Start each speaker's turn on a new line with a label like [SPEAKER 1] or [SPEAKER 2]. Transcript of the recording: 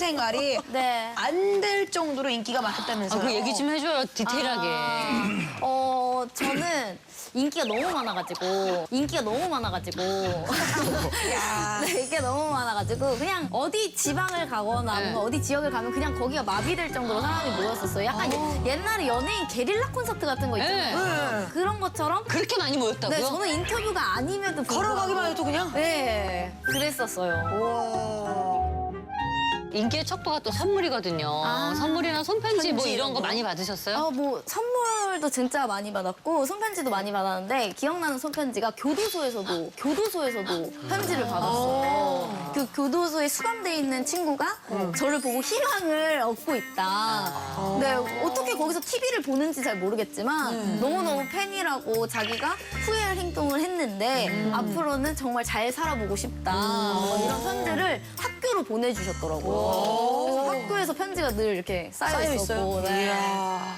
[SPEAKER 1] 생활이
[SPEAKER 2] 네.
[SPEAKER 1] 안 될 정도로 인기가 많았다면서요?
[SPEAKER 3] 그 얘기 좀 해줘요, 디테일하게.
[SPEAKER 2] 저는 인기가 너무 많아가지고 네, 인기가 너무 많아가지고 그냥 어디 지방을 가거나
[SPEAKER 3] 네.
[SPEAKER 2] 뭔가 어디 지역을 가면 그냥 거기가 마비될 정도로 사람이 모였었어요. 약간 옛날에 연예인 게릴라 콘서트 같은 거 있잖아요.
[SPEAKER 1] 네.
[SPEAKER 2] 그런 것처럼.
[SPEAKER 3] 그렇게 많이 모였다고요?
[SPEAKER 2] 네, 저는 인터뷰가 아니면도
[SPEAKER 1] 걸어가기만 해도 그냥?
[SPEAKER 2] 네, 그랬었어요.
[SPEAKER 1] 와.
[SPEAKER 3] 인기의 척도가 또 선물이거든요. 선물이나 손편지 뭐
[SPEAKER 1] 편지
[SPEAKER 3] 이런 거
[SPEAKER 1] 이런 거?
[SPEAKER 3] 많이 받으셨어요?
[SPEAKER 2] 뭐 선물도 진짜 많이 받았고 손편지도 많이 받았는데 기억나는 손편지가 교도소에서도 편지를 받았어요. 그 교도소에 수감돼 있는 친구가 저를 보고 희망을 얻고 있다. 근데 어떻게 거기서 TV를 보는지 잘 모르겠지만 너무너무 팬이라고 자기가 후회할 행동을 했는데 앞으로는 정말 잘 살아보고 싶다. 뭐 이런 편지를 학교로 보내주셨더라고요. 그래서 학교에서 편지가 늘 이렇게 쌓여 있었고. 네.
[SPEAKER 1] 이야.